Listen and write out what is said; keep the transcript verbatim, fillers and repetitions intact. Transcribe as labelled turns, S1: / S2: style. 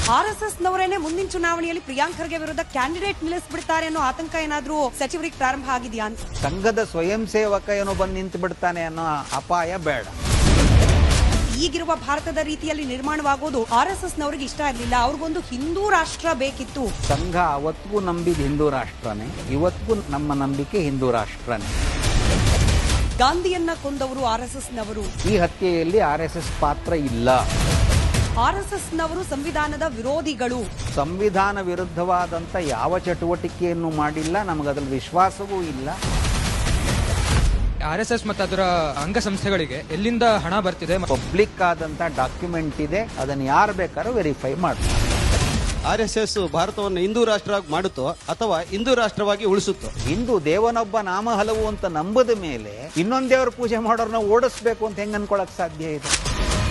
S1: R S S ನವರೇನೆ ಮುಂದಿನ ಚುನಾವಣೆಯಲ್ಲಿ ಪ್ರಿಯಾಂಕ್ ಖರ್ಗೆ ವಿರುದ್ಧ ಕ್ಯಾಂಡಿಡೇಟ್ ನಿಲ್ಲಿಸ್ಬಿಡ್ತಾರೆ ಅನ್ನೋ ಆತಂಕ ಏನಾದ್ರೂ ಸಚಿವರಿಗೆ ಪ್ರಾರಂಭ ಆಗಿದೆಯಾ ಅಂತ.
S2: ಸಂಘದ ಸ್ವಯಂ ಸೇವಕ ಏನೋ ಬಂದು ನಿಂತು ಬಿಡ್ತಾನೆ ಅನ್ನೋ ಅಪಾಯ ಬೇಡ.
S1: ಈಗಿರುವ ಭಾರತದ ರೀತಿಯಲ್ಲಿ ನಿರ್ಮಾಣವಾಗೋದು ಆರ್ ಎಸ್ ಎಸ್ ನವರಿಗೆ ಇಷ್ಟ ಇರಲಿಲ್ಲ. ಅವ್ರಿಗೊಂದು ಹಿಂದೂ ರಾಷ್ಟ್ರ ಬೇಕಿತ್ತು.
S2: ಸಂಘ ಅವತ್ತಿಗೂ ನಂಬಿದ ಹಿಂದೂ ರಾಷ್ಟ್ರನೇ, ಇವತ್ತಿಗೂ ನಮ್ಮ ನಂಬಿಕೆ ಹಿಂದೂ ರಾಷ್ಟ್ರನೇ.
S1: ಗಾಂಧಿಯನ್ನ ಕೊಂದವರು ಆರ್ ಎಸ್ ಎಸ್ ನವರು.
S2: ಈ ಹತ್ಯೆಯಲ್ಲಿ ಆರ್ ಎಸ್ ಎಸ್ ಪಾತ್ರ ಇಲ್ಲ.
S1: ಆರ್ ಎಸ್ ಎಸ್ ನವರು ಸಂವಿಧಾನದ ವಿರೋಧಿಗಳು.
S2: ಸಂವಿಧಾನ ವಿರುದ್ಧವಾದಂತ ಯಾವ ಚಟುವಟಿಕೆಯನ್ನು ಮಾಡಿಲ್ಲ, ನಮಗದ್ರಲ್ಲಿ ವಿಶ್ವಾಸವೂ ಇಲ್ಲ.
S3: ಆರ್ ಎಸ್ ಎಸ್ ಮತ್ತು ಅದರ ಅಂಗಸಂಸ್ಥೆಗಳಿಗೆ ಎಲ್ಲಿಂದ ಹಣ ಬರ್ತಿದೆ?
S2: ಪಬ್ಲಿಕ್ ಆದಂತ ಡಾಕ್ಯುಮೆಂಟ್ ಇದೆ, ಅದನ್ನು ಯಾರು ಬೇಕಾದ್ರೂ ವೆರಿಫೈ ಮಾಡ್ತಾರೆ.
S4: ಆರ್ ಎಸ್ ಎಸ್ ಭಾರತವನ್ನು ಹಿಂದೂ ರಾಷ್ಟ್ರ ಮಾಡುತ್ತೋ ಅಥವಾ ಹಿಂದೂ ರಾಷ್ಟ್ರವಾಗಿ ಉಳಿಸುತ್ತೋ?
S2: ಹಿಂದೂ ದೇವನೊಬ್ಬ ನಾಮ ಹಲವು ಅಂತ ನಂಬದ ಮೇಲೆ ಇನ್ನೊಂದ್ ದೇವರ ಪೂಜೆ ಮಾಡೋರ್ನ ಓಡಿಸ್ಬೇಕು ಅಂತ ಹೆಂಗ್ ಅನ್ಕೊಳಕ್ ಸಾಧ್ಯ ಇದೆ?